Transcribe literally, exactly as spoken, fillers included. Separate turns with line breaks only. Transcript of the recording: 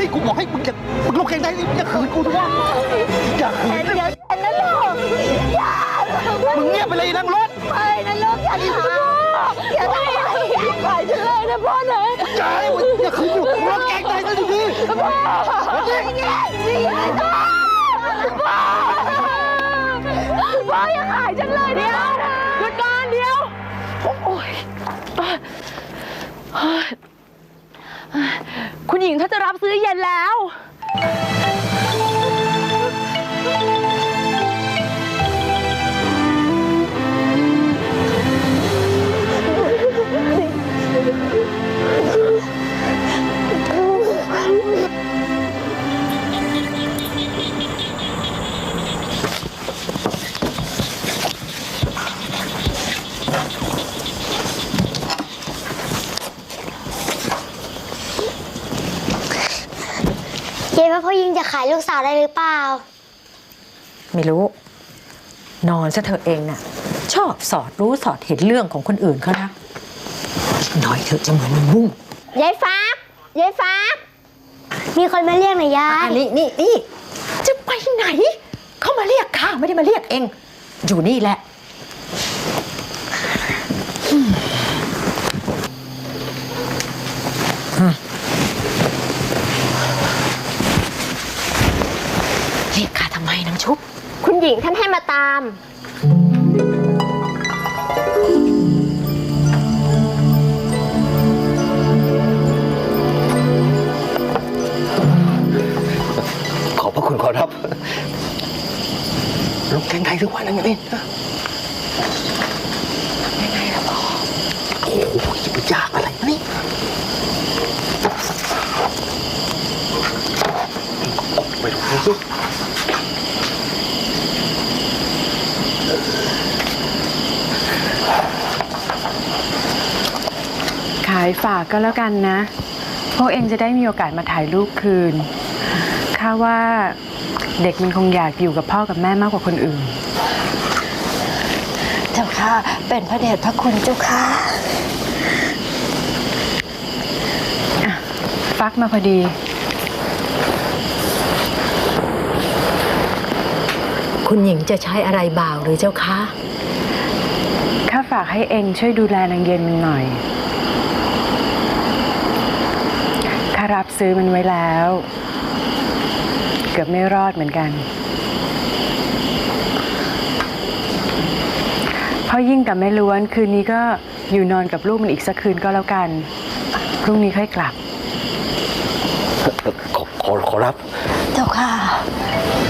นี่กูบอกให้มึงอย่ามึงลงแข่งได้นี่อย่าขืนกูด้วยอย่าขืน
เดี๋ยวเดี๋ยวนะลูกอย่า
มึงเงียบไปเลยนั่งรถ
ไปนะลูกอย่าทำอย่าทำอะไรปล่อยฉันเลยนะพ่อนะ
อย่ามึงอย่าขืนอยู่ลงแข่งได้ก็ดีๆ
พ่อนี่ไงนี่ไงพ่อพ่ออย่าขายฉันเลยเดี๋ยวหยุดก่อนเดี๋ยวโอ้ยคุณหญิงถ้าจะรับซื้อเย็นแล้ว
เย้ว่าพ่อยิงจะขายลูกสาวได้หรือเปล่า
ไม่รู้นอนซะเธอเองน่ะชอบสอดรู้สอดเห็นเรื่องของคนอื่นเขานะน้อยเธอจะเหมือนมันบุ้ง
ยายฟ้า ยายฟ้า มีคนมาเรียกหน่อยยาย
นี่นี่นี่จะไปไหนเขามาเรียกข้าไม่ได้มาเรียกเองอยู่นี่แหละเรียกข้าทำไมนางชุบ
คุณหญิงท่านให้มาตาม
ขอบพระคุณขอรับลงแข่งไทยทุกวันนั่นเองยังไงล่ะพ่อโอ้โหจะไปยากอะไรนี่ไปดูสิ
ขายฝากก็แล้วกันนะพวกเองจะได้มีโอกาสมาถ่ายรูปคืนข้าว่าเด็กมันคงอยากอยู่กับพ่อกับแม่มากกว่าคนอื่น
เจ้าค่ะเป็นพระเดชพระคุณเจ้าค่ะ
ฟักมาพอดี
คุณหญิงจะใช้อะไรบ่าวหรือเจ้าคะ
ข้าฝากให้เองช่วยดูแลนางเย็นมันหน่อยข้ารับซื้อมันไว้แล้วเกือบไม่รอดเหมือนกันพ่อยิ่งกับแม่ล้วนคืนนี้ก็อยู่นอนกับลูกมันอีกสักคืนก็แล้วกันพรุ่งนี้ค่อยกลับ
ขอขอขอรับ
เจ้าค่ะ